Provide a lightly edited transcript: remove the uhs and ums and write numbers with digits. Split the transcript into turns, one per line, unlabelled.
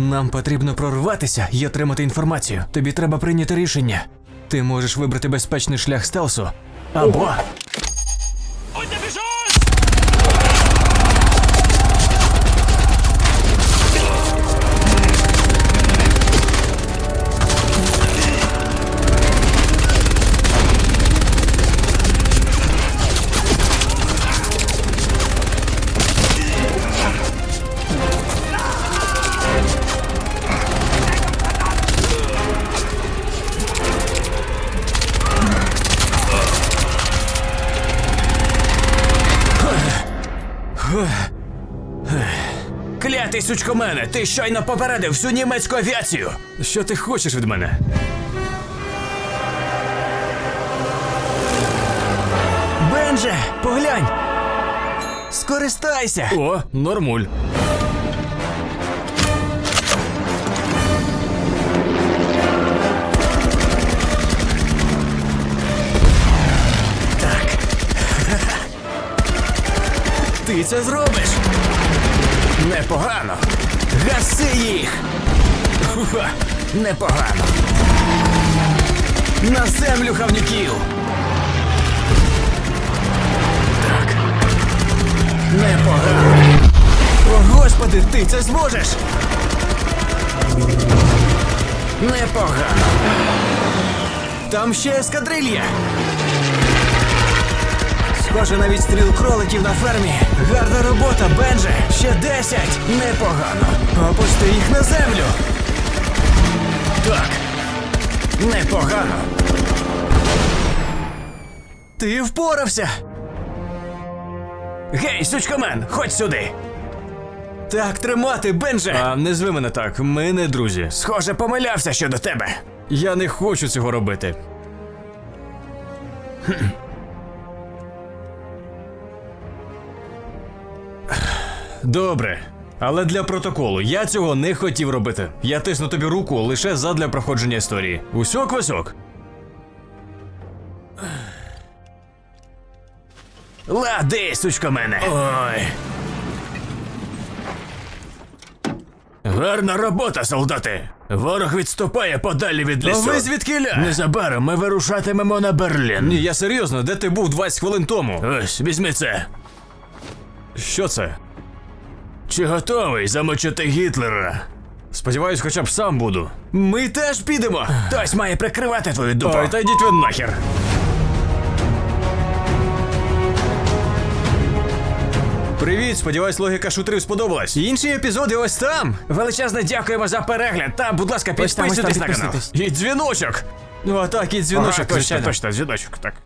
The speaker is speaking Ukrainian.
Нам потрібно прорватися і отримати інформацію. Тобі треба прийняти рішення. Ти можеш вибрати безпечний шлях стелсу. Або...
Клятий сучкомене, ти щойно попередив всю німецьку авіацію!
Що ти хочеш від мене?
Бенже, поглянь! Скористайся!
О, нормуль.
Так. Ти це зробиш? Непогано. Гаси їх! Уха, непогано. На землю, хавнюків! Так. Непогано. О, Господи, ти це зможеш! Непогано. Там ще ескадрилья. Схоже на відстріл кроликів на фермі. Гарна робота, Бенже. Ще 10. Непогано. Опусти їх на землю. Так. Непогано. Ти впорався. Гей, сучкомен, ходь сюди. Так тримати, Бенже.
А не зви мене так, ми не друзі.
Схоже, помилявся щодо тебе.
Я не хочу цього робити. Добре. Але для протоколу я цього не хотів робити. Я тисну тобі руку лише задля проходження історії. Усьок висок.
Лади, сучкомене.
Ой.
Гарна робота, солдати. Ворог відступає подалі від лісу.
А ви звідкіля?
Незабаром ми вирушатимемо на Берлін.
Ні, я серйозно, де ти був 20 хвилин тому?
Ось, візьми це.
Що це?
Чи готовий замочити Гітлера?
Сподіваюсь, хоча б сам буду.
Ми теж підемо. Хтось має прикривати твою дупу.
Ой, та йдіть ви нахер. Привіт, сподіваюсь, логіка шутерів сподобалась. Інші епізоди ось там.
Величезне дякуємо за перегляд. Та, будь ласка,
Ось там,
підписуйтесь на канал.
підписуйтесь. І дзвіночок. Ну а так, і дзвіночок,
Ага, точно,
звичайно.
точно, дзвіночок, так.